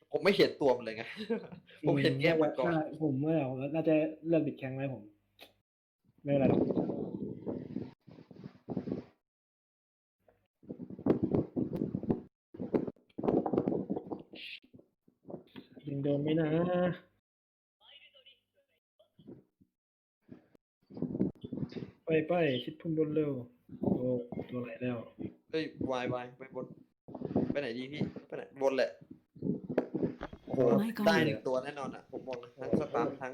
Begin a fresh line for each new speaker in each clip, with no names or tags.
ผมไม่เห็นตัวมันเลยไง ผมเห็นแค่มังกร
ผมเมื่อผมน่าจะเลือกบิดแข้งไว้ผมไม่เป็นไรหรอกยังโดนไหมนะไปชิดพุ่มบนเร็วโอ้ตัวไหนแล้ว
เฮ้ยวายไปบนไปไหนดีพี่ไปไหนบนแหละโอ้โห
My God
ได้หนึ่งตัวแน่นอนอ่ะผมบอกเลยทั้งสตาร์ทั้ง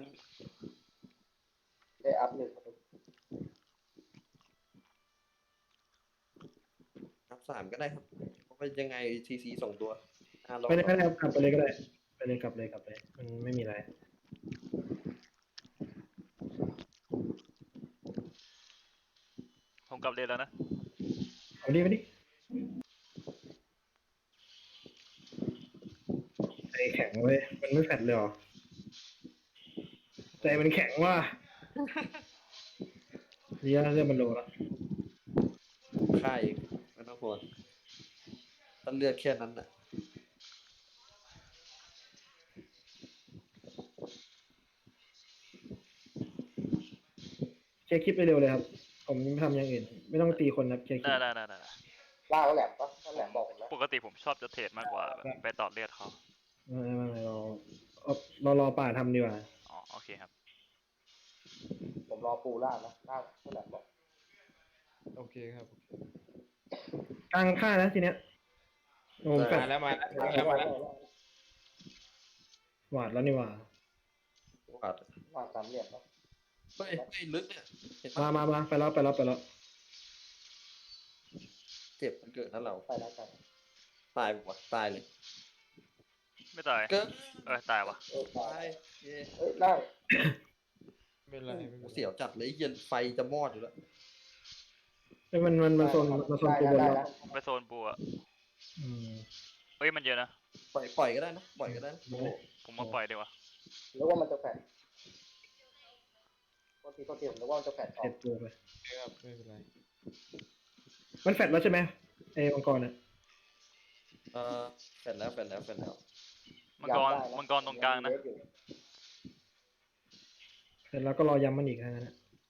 ได้อัพหนึ่ง
อัพสามก็ได้ครับเพราะว่ายังไงซีส่งตัวลอง
ไปเลยก็ได้ครับกลับไปเลยก็ได้ไปเลยกลับเลยมันไม่มีอะไร
ผมกลับเรียนแล้วนะ
เอาดิไปดิใจแข็งเว้ยมันไม่แฟดเลยหรอใจมันแข็งว่ะเรื่องมันโลละ
ค่ายไม่ต้องห่วงต้นเลือดแค่นั้นน่ะ
เคลียร์คลิปไปเร็วเลยครับผมทำอย่างอื่นไม่ต้องตีคนนะเคลียร์คลิ
ได้
ป
ได้
ล่าก็แหลมปะถ้าแหลมบอกผมนะ
ปกติผมชอบจะเทรดมากกว่าแบบไปต่อเลือดเขา
ไม่เรารอป่าทำดีกว่า
อ๋อโอเคครับ
ผมรอปูล่านะล่าถ้าแหลมบอก
โอเคครับ
กลางค่านะทีเนี้ยโอ้ผมแฟด
มาแล้ว
หวาดแล้วนี่หว่า
วาด
วางสามเหลี่ยมนะ
เฮ้ยลึกเนี่ยเห็น
มา
ปะ
ไปแล้ว
เจ็บมันเกิดนั่นเรา
ไปแล้วกัน
ตายบอกว่าตายเลย
ไม่ตาย
เกิด
ตายวะ
ตายเย้
เอ้ยได้
ไม่เป็นไรไม่เป็นไร
เสียวจัดเลยเย็นไฟจะมอดอยู่แล้ว
มันโซนตัวบน
ได้
แล้ว
ไปโซนปูอะ
อืม
เฮ้ยมันเยอะนะ
ปล่อยก็ได้นะปล่อยก็ได้นะ
ผมมาปล่อยดีกว่า
แล้วว่ามันจะแฝงโทษทีผมนึกว่ามันจะแฝงออ
เจ็
ก
บตัวไป
ครับไม่เป็นไร
มันแฟดแล้วใช่ไหมไอ้มังกรน่ะ
แฟนแล้ว
มังกรตรงกลางนะ
เสร็จแล้วก็รอย้ำมันอีกนะ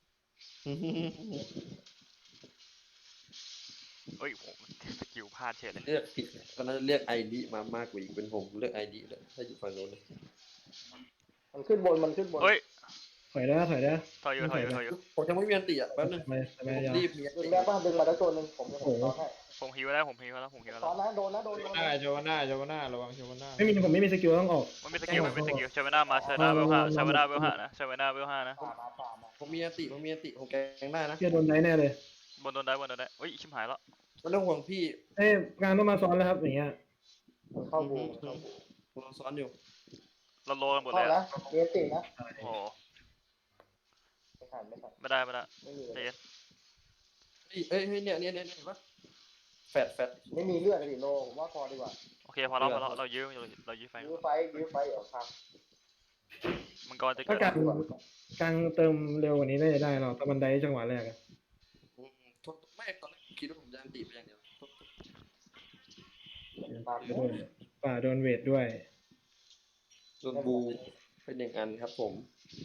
เฮ้ยผมสกิลพลาดเฉยเลย
เลือกผิดก็น่าจะเรียกไอดีมามากกว่าอีกเป็นผมเลือกไอดีเลยถ้าอยู่ฝั่งโน้นเลย
มันขึ้นบน
เฮ้ย
ถอยได้
ถอยอยู่
ผมยังไม่มีอันติอ่ะแป๊บนึง
ไม่
ผม
ยาว
รีบมีอัน
ดึง
ติ
ได้ป่ะดึงมาแล้วตัวหนึ่งผมจะซ้อนให้
ผมฮิวแล้ว
ซ้อนนะโดน
โจวาน่าระวังโจวาน่า
ผมไม่มีสกิลต้องออก
มันมีสกิลชาเวน่ามาชาเวน่าเวลห้านะชาเวน่าเวลห้านะ
ป่ามา
ผมมีอันติผมแกงได้นะ
เชื่อโดนได้แน่เลย
บนโดนได้เฮ้ยชิมหายแล้ว
ไม่ต้องห่วงพี่
งานต้องมาซ้อนแล้วครับอย่างเงี้ย
มันเข้าบู
ผมรอซ้อนอยู่
เราโลกันหมดเล
เข้าย แล้
อะ
วเอสตินะ
โอ้
ไม่ทัน
ไม่ได้
ไม่มี
ใจเย็น
เฮ้ยเนี่ยเห็นปะแฟด
ไม่มีเลือดเลยโนผมว่าพอดีกว่า
โอเคพอเรายื้อไฟ
ยื้อไฟเดี๋ยวครับ
มังกรจะ
ถ้า
เกิด
กลางเติมเร็วกว่านี้น่าจะได้เราแต่บันไดจังหวะแรก
ไม่ตอนแรกคิดว่าผมจะอันติไปอย่างเดียว
ตาม
ป่าโดนเวทด้วย
ส่วนบูเป็น1 อันครับผม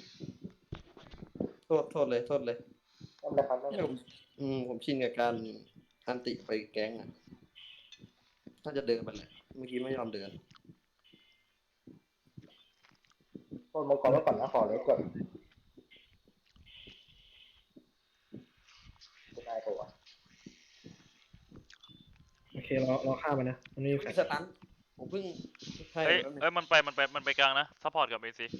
โทษเลย
นั่นแหละครับ
เนี่ยผมชินกับการอันติไปแก๊งอ่ะถ้าจะเดินไปแหละเมื่อกี้ไม่ยอมเดิน
ต้นมังกรไว้ก่อนนะขอเลยก่อนจะได้ตัว
โอเครอฆ่ามันนะมันนี่แฟ
ไม่
ด
สตันผมเพิ่งใช่
เฮ้ยมันไปกลางนะซัพพอร์ตกับเอซี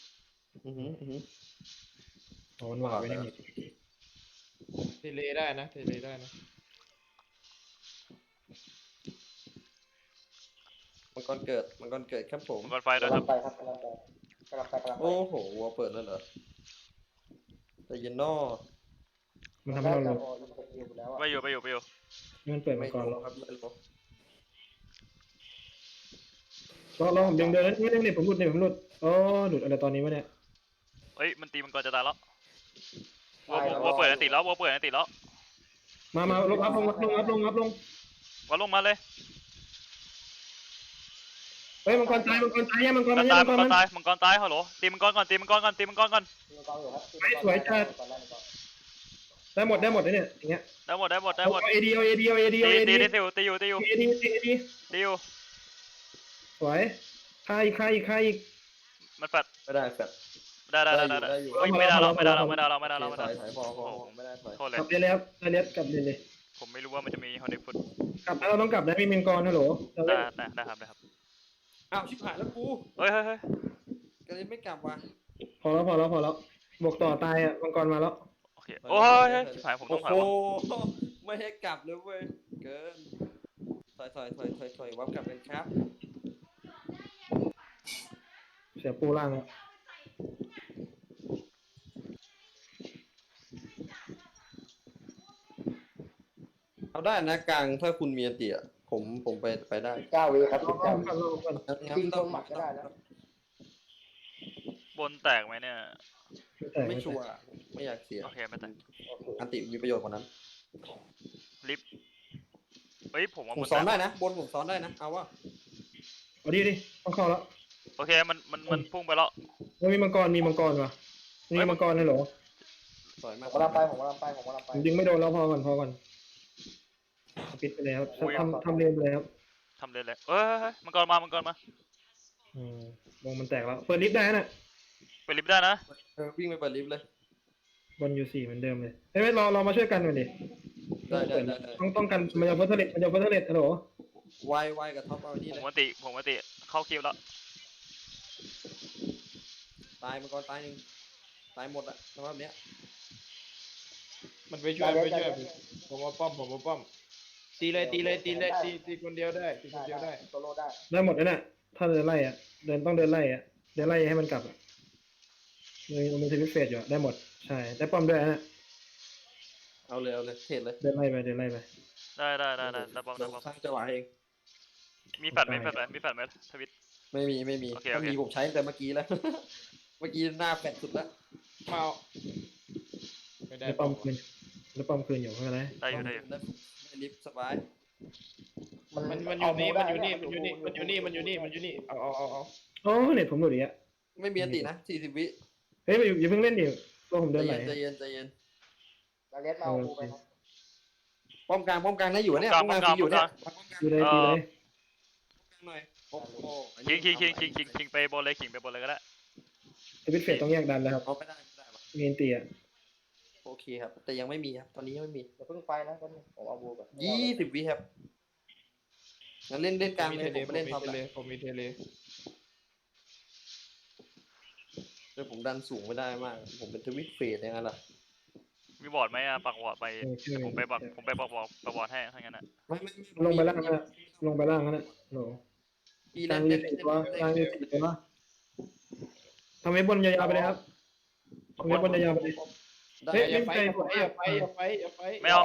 มันหวาไปนี่
เทเลได้นะ
มังกรเกิดครับผม
มังกรไฟด้วย
กำ
ค
ลั
รั
ง
บ
ไปครับ
โอ้โหวัวเปิดแล้วเหรอแต่เย็นนอ
มันทำให้เราลง
ไปอยู่
มันเปิด
ไม่
มาก่อน
ล
ร
งครับไม่ลง
อผมเดินนี่ผมหลุดอ๋อหลุดอะไรตอนนี้วะเนี่ย
เฮ้ยมันตีมังกรจะตายแล้ววัวเปิดอันติแล้ว
มาลงอัพลง
วัดลงมาเลย
เฮ้ยมังกรตายมังกรตายมังกร
มั
มัน น
ตาย
มังกร
มังก
มั
ร
น
ตายมังกรตายฮัลโหลตีมังกรก่อนตีมังกรก่อนตีมังกรก่อน
ตีมังกรอยู่ครับ
สวยจัด
มังกรไล่มังกร
ได้หมดเลยเนี่ยอย่างเงี้ย
ได้หมดได้หมดได้หมด
เอดีเอาเอดีเอาเอดี
ตี
เอาเอ
ตี
ดี
ได้ติวตีอยู่ตีอยู่
เอดีเอดี
ตีอยู่
สวยใครอีก
มันแฟด
ไม่ได้แฟด
ได้
ได้อยู่
เฮ้ยไม่ได้เราไม่ได้เราไม่ได้เราไม่ได้เราไม่
ถ
ได้
อยพอไม่ได้ถอย
โทษเลย
กลับเลยแล้วได้แล้วกลับเลย
ผมไม่รู้ว่ามันจะมีฮอนเดฟุต
กลับแล้วเราต้องกลับนะมีมังกรฮัลโหล
ได้ครับได้ครับ
อ้าวชิบหายแล้วกู
เฮ้ยเฮ้ยเฮ้ย
ก็เลยไม่กลับว่ะ
พอแล้วบวกต่อตายอ่ะมังกรมาแล้ว
โอเคโอ้ยชิบหายผมต้องถอย
โอ้
วะ
โหไม่ให้กลับเลยเว้ยเกินถอยวับกลับกันครับ
เสียปูล่างแล้ว
เอาได้นะกลางถ้าคุณมีอันติอ่ะผมไปได้
9 วิครับ
รอก่อน
จริงตรงหมัดก็ได้นะ
บนแตกไหมเนี่ย
ไม่ชัวร์ไม่อยากเสีย
โอเคไม่แตก
โอเค
อันติมีประโยชน์กว่านั้น
ลิฟต์เฮ้ยผมว่า
ผม
บน
ซ้อน
แต
ได้
ก
นะบนผมซ้อนได้นะเอาว่า
เอาดิต้องเข้าแล้ว
โอเคมันพุ่งไปแล้ว
มีมังกรว่ะมีมังกรฮัลโหล
สวย
ผม
มาก
กำลังไปผมกำลังไป
ดึงไม่โดนแล้วพอก่อนปิดไปแล้วทำเรียนไปแล้ว
ทำเลยเลยเฮ้ยมังกรมา
วงมันแตกแล้วเปิดลิฟต์ได้นะ
ไปลิฟต์ได้นะ
วิ่งไปเปิดลิฟต์เลย
บนอยู่4เหมือนเดิมเลยเฮ้ยเรามาช่วยกันหน่อยดิ
ได้
ต้องกันมันจะเฟิร์สเลตฮัลโหล
ไวกับท็อปเอานี่
ผ
เล
ม
ย
วันติเข้าคิวแล้ว
ตายมังกรตายหนึ่งตายหมดอะสภาพเนี้ย
มันไปช่วยผมมาป้อมตีเลยตีคนเดียวได้ตีคนเดียวได้
โซโล่ได้
ได้หมดแล้วน่ะถ้าเดินไล่อ่ะต้องเดินไล่อ่ะเดินไล่ให้มันกลับอ่ะมันเทวิตเฟสอยู่ได้หมดใช่ได้ป้อมด้วยนะ
เอาเลยเทรดเลย
เดินไล่ไป
ได้ป้อม
สร้างจังหวะเอง
มีแฟดไหมทวิต
ไม่มี
โอเค
ถ้ามีผมใช้ตั้งแต่เมื่อกี้แล้ว เมื่อกี้หน้าแฟดสุดแล้ว
มาเอาไม่ได้
ได้ป้อมคืนอยู่ไม่เป็นไร
ได้อยู่
ได้ลิฟต์สบาย
มันอยู่นี่เอา
โอ้เน็ตผมหลุดอีกอ่ะ
ไม่มีอันตินะ40 วิ
เฮ้ยอย่าเพิ่งเล่นดิตัวผมเดินไหล
ใจเย็น
ลาเลสมาเอากูไปนะ
ป้อมกลางได้อยู่เนี่ยป้อมกลางอยู่เนี่ย
ตีเลย
หน่อยโอ้โห
คิงไปบนเลยก็ได้
เทวิตเฟสต้องแยกดันแล้วครับ
เอาไม่ได้วะ
มีนตีอ่ะ
โอเคครับ แต่ยังไม่มีครับตอนนี้ยังไม่มี
อย่าเพิ่งไปนะผมเอาบูก่อน
20 วิครับงั้นเล่นกลาง
มี
เลย
เท
ผมไปเล่นท็อป
เล
เลย
ผมมีเทเล
แต่ผมดันสูงไม่ได้มาก ผมเป็นทวิตเฟสอย่างนั้นล่ะ
มีบอร์ดไหมอ่ะปักบอร์ดไปผมไปปักบอร์ดให้ทั้งนั้นอ่ะ
ไม่
ลงไปล่างนะลงไปล่างนะโห
ปี
ก
แร
ลาง
ก
มีสิบวะกลางมี10วะทำให้บนยาวๆไปเลยครับทำให้บนยาวๆไปเลย
ได้
เฮ้ย
อย่าไป
ไม่เอา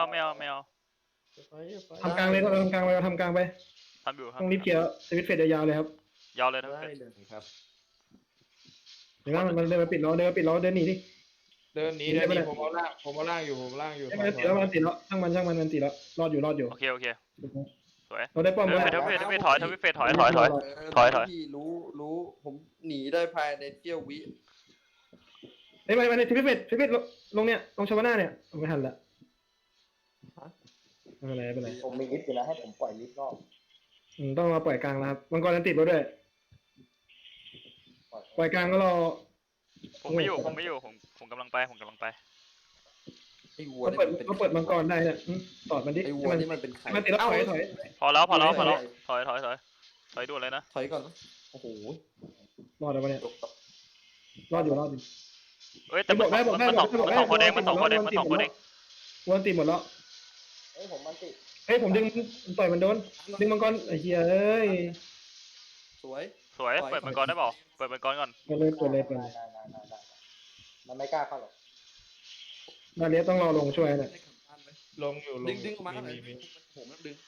ทำกลางเลยก็ทำกลางไป
ทำอยู่ครับ
ต้องรีบเคลียร์สวิตช์เฟสยาวๆเลยครับ
ยาวเลยนะ
ได้เลยครับ
เดี๋ยวมันเดินมาปิดล้อเดินหนีดิ
เดินหนีผมเอาล่างอยู่
มันติดแล้วช่างมันมันติดแล้วรอดอยู่
โอเคสวย
เราได้ป้อม
ท
แล้ว
วิตถอย
รู้ผมหนีได้ภายในเที่ยววิ
เฮ้ยมาในทิพิเฟตลงเนี่ยลงชาวนาเนี่ยไม่ทันละไม่เป็นไร
ผมมีลิฟต์อยู่แล้วให้ผมปล่อยลิฟต์นอก
ต้องมาปล่อยกลางแล้วครับมังกรนั้นติดแล้วด้วยปล่อยกลางก็รอ
ผมไม่อยู่ผมกำลังไป
ไอ้วัว
เขาเปิดมังกรได้เนี่ยตอดมันดิ
ไอ้วัวนี่มันเป็นใคร
มันติดแล้วถอย
พอแล้วถอยด่วนเลยนะ
ถอยก่อนโอ้โห
รอดแล้วเนี่ยรอดอยู่
เอ้ยแต่มันสองคนเอง
วนตีหมดแล้ว
เฮ้ยผมมันติด
เฮ้ยผมดึงต่อยมันโดนดึงมังกรไอ้เหี้ยเอ้ย
สวย
เปิดมังกรได้เปล่าเปิดมังกรก่อน
ไปเลย
ได้มันไม่กล้าเข้าหรอก
ดาเลียต้องรอลงช่วยเนี่ย
ลงอยู่
ดึงออกมาหน่อยผมแล้วดึง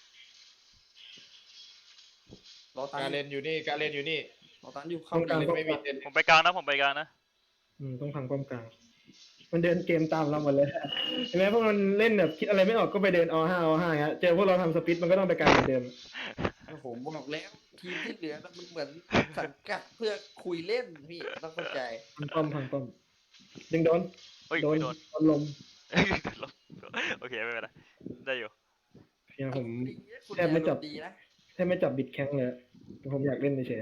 รอตัน
การเล่นอยู่นี่
รอตันอยู่เข้า
ไม่มีเทเล
ผมไปกลางนะ
ต้องพังป้อมกลางมันเดินเกมตามเราหมดเลยเห็นไหมพวกมันเล่นแบบคิดอะไรไม่ออกก็ไปเดินอ5เงี้ยเจอพวกเราทำสปิดมันก็ต้องไปกลางเหมือนเดิม
เ
ผมบอกแล้วทีมที่เหลือน่ะมันเหมือนสังกัดเพื่อคุยเล่นพี่ต้องเข้าใจ
พังป้อมดึงโดน
เฮ้ย
โดน
ไม่โดน
โดนลม
โอเคไม่เป็นไรได้อยู่
เนี่ยผม
คุณ
แทบไม่จับ
ดีนะ
แทบไม่จับบิดแข้งเลยผมอยากเล่นเฉย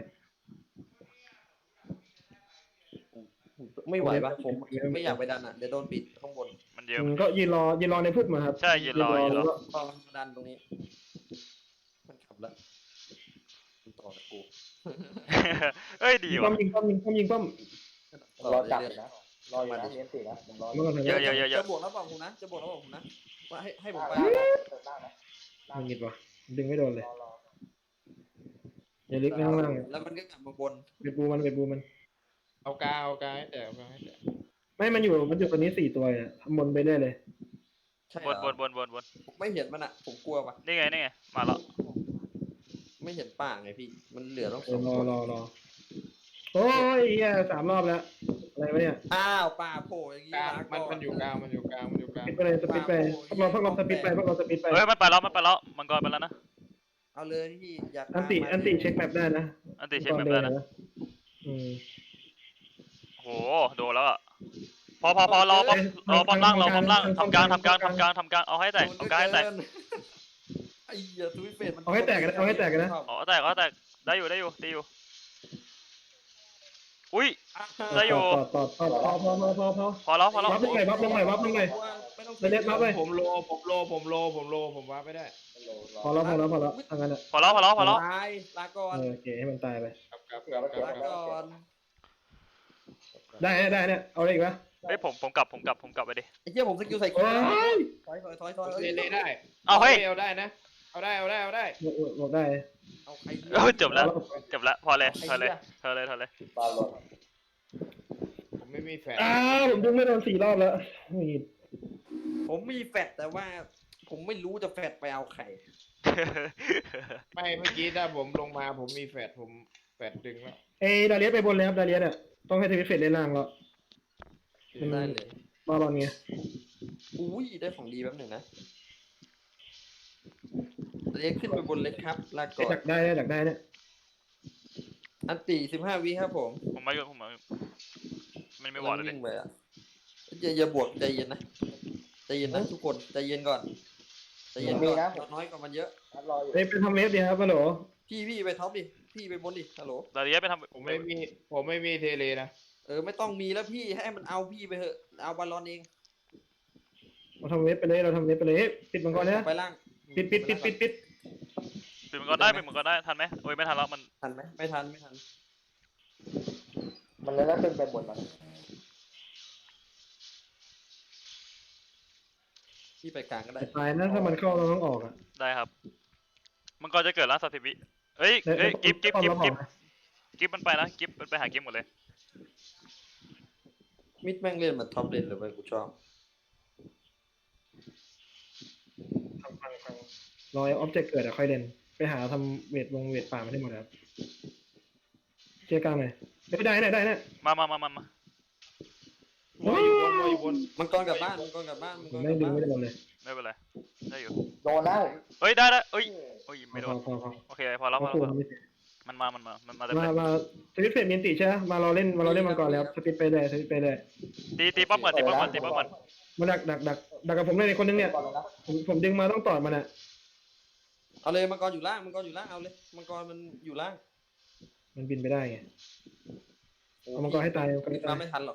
ไม่ไหวปะผมไม่อยากไปดันอ่ะเดี๋ยวโดนปิดข้างบน
มันเยอะ
ก็ยืนรอในพุ่มอะครับ
ใช่ยืนรอ
แล้วก็
พอมันดันตรงนี้ มันขับแล้วมันต่อกับกู
เอ้ยดี
ยิง
ว่ะ
ป้อม
ผมรอจับอยู่นะรออยู่นะเลี้ยงตีนะผมรอ
เมื่อก่อน
เยอะเยอะเยอะเย
จะ
อะ
บวกแล้วบอกผมนะจะบวกแล้วบอกผมนะว่าให้ผมไป
ล่างนะเติมล่างนะ
มันยิดวะดึงไม่โดนเลย
รอ
อย่าลึกข้างล่าง
แล้วมันก็กลับมาบน
เวทบูมัน
เอากาให้แตกเอากาให้แตก
ไม่มันอยู่ตัวนี้4 ตัวอ่ะทำบนไปเรื่อยเลย
ใช่
บ
เหร
น
อบ
น
ผมไม่เห็นมันอ่ะผมกลัวปะ
นี่ไงมาแล้ว
ไม่เห็นป่าไงพี่ มันเหลือต้อง
เอ
ส
อ
อง
รอ
คน
โอ้ยเหี้ย3 รอบแล้วอะไรวะเนี่ย
อ้าวป่าโผล่อย่างงี้
กลาง
ลา
มัน
ก่
อยู่กลางมันอยู่กลาง
สปิดไปเลยสปิดไปพวกเราสปิดไป
เฮ้ยมันไปแล้วมังกรไปแล้วนะ
เอาเลยพี่อยาก
อันติเช็คแบบได้นะ
อันติเช็คแบบได้นะ
อืม
โหโดนแล้วอ่ะพอรอป้อมล่างทำกลางเอาให้แตกเอากลางให้แตก
ไอ้เหี้ยทวิตเฟสมัน
เอาให้แตกนะ
อ๋อแตกได้อยู่ตีอยู่อุ้ย ได้อยู่
ต่อ
พอแล้ว
วับลงหน่อยวับลงหน่อย
ไม่ต้อง
ไปเล็ดวับไป
ผมโลผมว่าไม่ได้
พอแล้วทางนั้นอ่ะ
พอแล้ว
ตายลาก่อน
โอเคให้มันตายไป
ลาก่อน
ได้เนี่ยเอาอะไรอีกวะ
เฮ้ยผมกลับไปดิ
ไอ้เหี้ยผมสกิลใส่
โอ้ย
ถอย
เล่ได้
เอาเฮ้ย
เอาได้นะเอาได้
บอกได้
เอาใคร
จบแล้วพอเลยถอยเลย
บอลลง
ผมไม่มีแฟน
ผมดึงไม่โดน4 รอบแล้วนี่
ผมมีแฟดแต่ว่า ผมไม่รู้จะแฟดไปเอาใคร
ไม่เมื่อกี้ถ้าผมลงมาผมมีแฟดผมแฟดดึงแล้ว
ดาเลียสไปบนเลยครับดาเลียสอ่ะต้องให้ทวิตเฟสเล่นล่างแล้ว
ได้เลย
บอลไง
อุ้ยได้ของดีแป๊บหนึ่งนะเรียกขึ้นไปบนเล็กครับลาก่อน
ดักได้เนี่ย
อันตี15 วิครับผม
ผมมาอยู่มันไม่บอดเลย
วิ่งไปอ่ะอย่าบวกใจเย็นนะทุกคนใจเย็นก่อนใจเย็นก่อนเราน้อยกว่ามันเยอะ
รออยู่
ไปทำเวฟดีครับฮัลโหล
พี่ไปท็อปดิพี่ไปบนดิฮัลโหล
ดาเลียไปทำ
ผมไม่มีเทเลนะ
ไม่ต้องมีแล้วพี่ให้มันเอาพี่ไปเถอะเอาบอลลอนเอง
เราทำเวฟไปเลยปิดมังกรเนี่ย
ไปล่าง
ปิด
ปิดมันก็ได้ทันไหมโอ้ยไม่ทันแล้วมัน
ทันไหมไม่ทัน
มันเลยแล้วขึ้นไปบนมัน
พี่ไปกลางก็ได้
ตายนะถ้ามันเข้าเราต้องออกอ่ะ
ได้ครับมันก็จะเกิดล้าน30 วิเฮ้ยกิฟมันไปนะกิฟมันไปหากิฟหมดเลย
มิดแม่งเล่นเหมือนท็อปเลนเลยเว้ยกูชอบ
รอออบเจกต์เกิดอะค่อยเล่นไปหาทำเวทป่ามาได้หมดครับเชียร์กลางหน่อยได้เนี่ย
มา
โมอยู่บน
มังกรกลับบ้าน
ผมไม่ดึงไม่ได้บอลเลย
ไม่เป็นไรได้อยู่
โดนแล้ว
เฮ้ยได้เอ้ยไม่โดน
พอ
โอเคพอแล้ว มันมาเต็มเลย
มาสปิดเฟสมีนติใช่ไหมมารอเล่นมังกรแล้วสปิดไปเลย
ตีป้อมก่อน
มาดักกับผมเลยคนนึงเนี่ย
บอลเลยนะ
ผมดึงมาต้องต่อมันอ่ะ
เอาเลยมังกรอยู่ล่างเอาเลยมังกรมันอยู่ล่าง
มันบินไปได้ไงเอามังกรให้ตาย
มาไม่ทันหรอก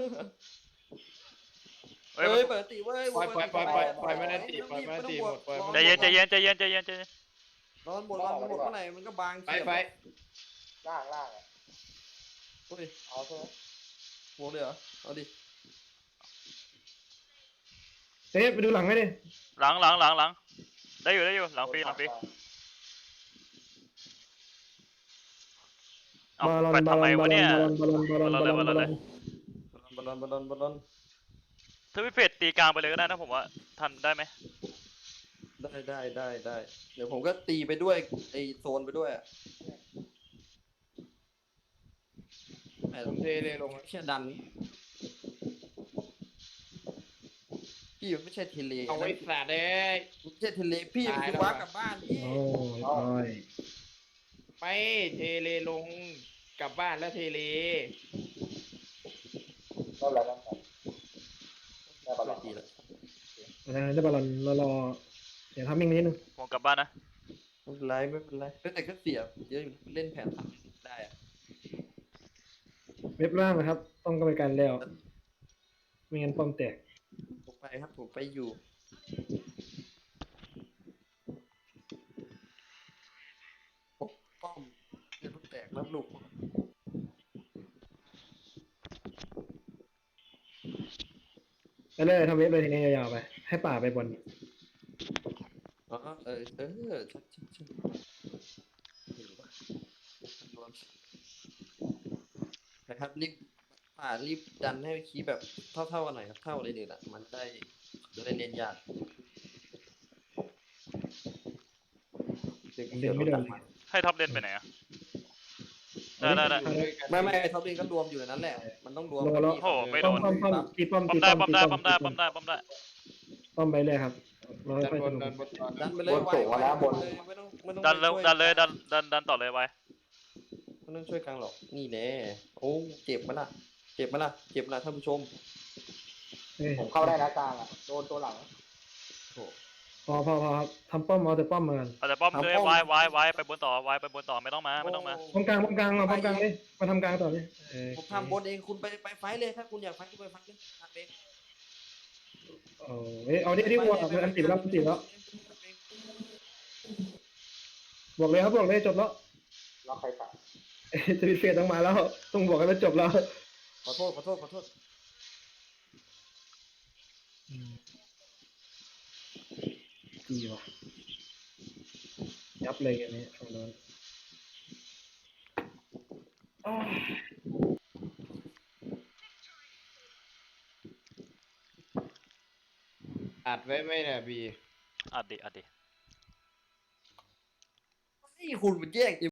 เฮ้ย
เปิดตีเว้ย
ปล่อยมันได้ตีปล่อยมันได้ตีหมดปล่อยมัน
ใจเย็น
นอนหมดเมื่อไหร่มันก็บาง
ไป
ล่าง
โอ้ย
เอาใช่ไหม
บวกเลยเหรอเอาดิ
ไปดูหลังไหมดิ
หลังได้อยู่หลังฟรีเอาไปทำไมวะเนี่ยบอลลอนถ้าพี่เฟดตีกลางไปเลยก็ได้นะผมว่าทันได้ไหม
ได้เดี๋ยวผมก็ตีไปด้วยไอโซนไปด้วยอ่ะ
ผมเทเลลง
เชี่ยดันพี่ไม่ใช่เทเล
เอาไว้สาดเลย
ไม่ใช่เทเลพี่มันคือว้ากลับบ้านพี่
โอ้ย
ไม่เทเลลงกลับบ้านแล้วเทเล
ก็แล้วกันครับได้บอล
ช่
ล
วย
อน
ตีแล้ว
ได้บอลลอนรอเสียงทัมมิ่งนิดนึง
ผมกลับบ้านนะ
ไม่เป็นไรไม่เป็นไรแต่ก็เสียเยอะอยู่เล่นแผน3ได้อะ
เว็บล่างนะครับ ต้องกรรมการแล้วไม่งั้นป้อมแตก
ผมไปครับผมไปอยู่ปกป้อมเดี๋ยวลูกแตกรับลูก
ไปเลยทำเว็บเลยทีนี้ยาวๆไป ให้ป่าไปบน
อ๋อใช่เห็นปะรวมนะครับรีบดันให้คีย์แบบเท่ากันหน่อยครับเท่าเลยเนี่ยแหละมันจะได้เล่นยากเด็กเขียว
ไม่โดน
ดันมา
ให้ท็อปเลนไปไหนอะได้
ไม่ท็อปลิงก็รวมอยู่ในนั้นแหละมันต้องรวม
รวมแล้ว
โอ้โหไม่โดน
ป้อมตีป้อม
ป้อ
ตี
มได้
ป้อม
ป้อม
ตี
ได้
ป้อม
ป้อมได้ป้อมได้ป้อมได้
ป้อมไปเลยครับเรา
ดัน
ค่อย
บ
ส
น
นุก
ดันบนก่อน
ดันไปเลย
บนสูงแล้วบน
ไม่ต้อง
ดันเลย
ช่วย
ดันต่อเลยไว้
ไม่ต้องช่วยกลางหรอกนี่แน่โอ้เจ็บไหมล่ะเจ็บไหมล่ะท่านผู้ชม
เอ้ย
ผมเข้าได้นะกลางอ่ะโดนตัวหลัง
โอ้
พอครับทำป้อมเอาแต่ป้อมมากัน
เอาแต่ป้อมเลย
ทำป้อม
ไว้ไปบนต่อไว้ไปบนต่อไม่ต้องมา
ป้อมกลางมาป้อมกลางเลยมาทำกลางต่อเลย
ผมทำบนเองคุณไปไฟท์เลยถ้าคุณอยากไฟท์ก็ไปไฟท์เลยทำเอง
เอาดิวัวมันอันติดแล้วบอกเลยครับบอกเลยจบแล้ว
ล็อกใครตัด
จะมีเฟสต้องมาแล้ว ต้องบอกให้มันจบแล้ว
ขอโทษ
ดีว่ะยับเลยอันนี้ฝั่งโน้น
อัดไว้ไหมเนี่ยบี
อัดดิ
ให้คุณมันแยก